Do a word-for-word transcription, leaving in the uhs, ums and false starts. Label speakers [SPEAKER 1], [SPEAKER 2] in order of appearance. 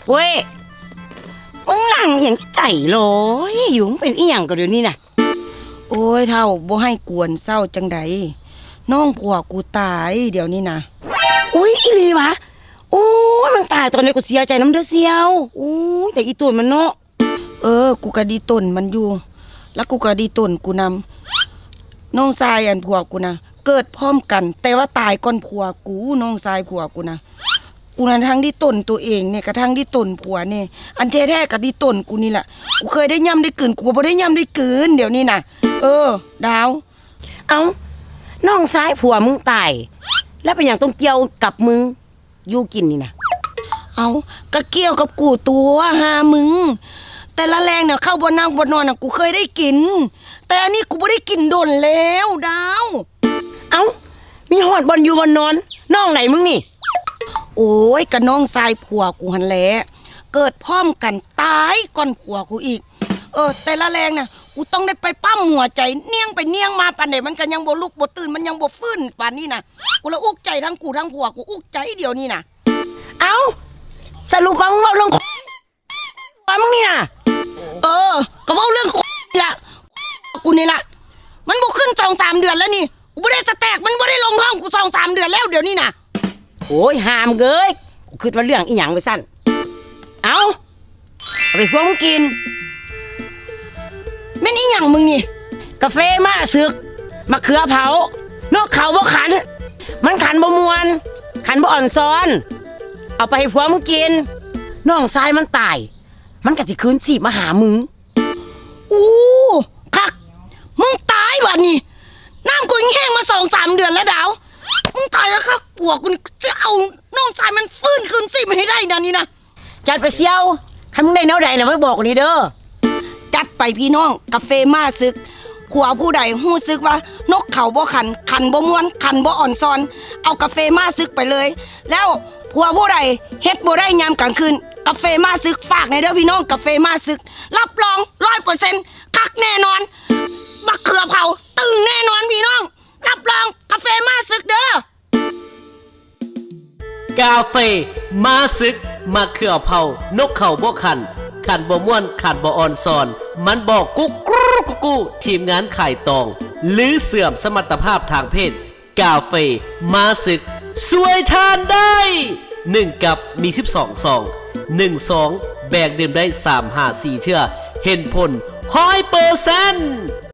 [SPEAKER 1] เว้ยมึงนั่งอย่างใจลอยอยู่มึงเป็นอีหยังก็เดี๋ยวนี้น่ะ
[SPEAKER 2] โอ้ยเท่าบ่ให้กวนเศร้าจังใดน้องผัวกูตายเดี๋ยวนี้นะ
[SPEAKER 1] อุ้ยอีหลีวะโอ้ยมันตายตอนนี้กูเสียใจน้ำเด้อเสียวโอ้ยแต่อีตัวมันเนาะ
[SPEAKER 2] เออกูก็ดีต้นมันอยู่แล้วกูก็ดีต้นกูนำน้องชายอันผัวกูนะเกิดพร้อมกันแต่ว่าตายก่อนผัวกูน้องชายผัวกูนะกูนั้นทั้งที่ต้นตัวเองเนี่ยกระทั่งที่ต้นผัวเนี่ยอันแท้ๆกับที่ต้นกูนี่แหละกูเคยได้ย่ำได้กืนกูบ่ได้ย่ำได้กืนเดี๋ยวนี้นะเออดาว
[SPEAKER 1] เอ้าน้องซ้ายผัวมึงตายแล้วเป็นอย่างต้องเกี่ยวกับมึงอยู่กินนี่นะ
[SPEAKER 2] เอาก็เกี่ยวกับกูตัวหามึงแต่ละแรงเนี่ยเข้าบนนั่งบนนอนน่ะกูเคยได้กินแต่อันนี้กูไม่ได้กินโดนแล้วดาว
[SPEAKER 1] เอ้ามีหอดบอลอยู่บนนอนน้องไหนมึงนี่
[SPEAKER 2] โอ้ยกับน้องชายผัวกูหันแหละเกิดพร้อมกันตายก่อนผัวกูอีกเออแต่ละแรงน่ะกูต้องได้ไปปั้มหัวใจเนียงไปเนียงมาปานไหนมันก็ยังบ่ลุกบ่ตื่นมันยังบ่ฟื้นปานนี้น่ะกูละอุกใจทั้งกูทั้งผัวกูอุกใจเดี๋ยวนี้น่ะ
[SPEAKER 1] เอ้าสรุปว่ามึงเอาเรื่องว่ามึงนี่น่ะ
[SPEAKER 2] เออก็ว่าเรื่องนี่ละกูนี่ละมันบ่ขึ้นสองสามเดือนแล้วนี่กูไม่ได้สแต็กมันไม่ได้ลงท้องกูสองสามเดือนแล้วเดี๋ยวนี้น่ะ
[SPEAKER 1] โอ้ยหามเกยกูคิดว่าเรื่องอีหยังไปสั้นเอาเอาไปพวกมึงกิน
[SPEAKER 2] แม่นอีหยังมึงนี่
[SPEAKER 1] กาแฟมาซึกมะเขือเผานกเขาบ่ขันมันขันบ่มวนขันบ่อ่อนซ้อนเอาไปให้พวกมึงกินน้องชายมันตายมันก็สิคืนชีพมาหามึง
[SPEAKER 2] โอ้คักมึงตายวันนี้น้ำกูแห้งมาสองสามเดือนแล้วดาวมึงตายแล้วครับปวกกูจะเอาน้องชายมันฟื้นคืนชีพมาให้ได้นะนี่นะ
[SPEAKER 1] จัดไปเซียวทำมึงได้แนวใดนะไม่บอกกูนี่เด้อ
[SPEAKER 2] จัดไปพี่น้องกาแฟมาซึกขัวผู้ใดหู้ซึกว่านกเขาบ่ขันขันบ่ม้วนขันบ่อ่อนซอนเอากาแฟมาซึกไปเลยแล้วผัวผู้ใดเฮ็ดบ่ได้ยามกลางคืนกาแฟมาซึกฝากในเด้อพี่น้องกาแฟมาซึกรับรองร้อยเปอร์เซ็นต์คักแน่นอนมะเขือเผาตึงแน่นอนพี่น้องรับรองกาแฟมาซึกเด้
[SPEAKER 3] อกาแฟมาซึกมะเขือเผานกเขาบ่ขันขันบ่ม่วนขันบ่อ่อนซอนมันบอกกุ๊กกุ๊กกุ๊กกุ๊กทีมงานขายตองหรือเสื่อมสมรรถภาพทางเพศกาแฟมาซึกสวยทานได้หนึ่งกับมีสิบสองซองหนึ่งซองแบกดื่มได้สาม ห้า สี่เทื่อเห็นผลร้อยเปอร์เซ็นต์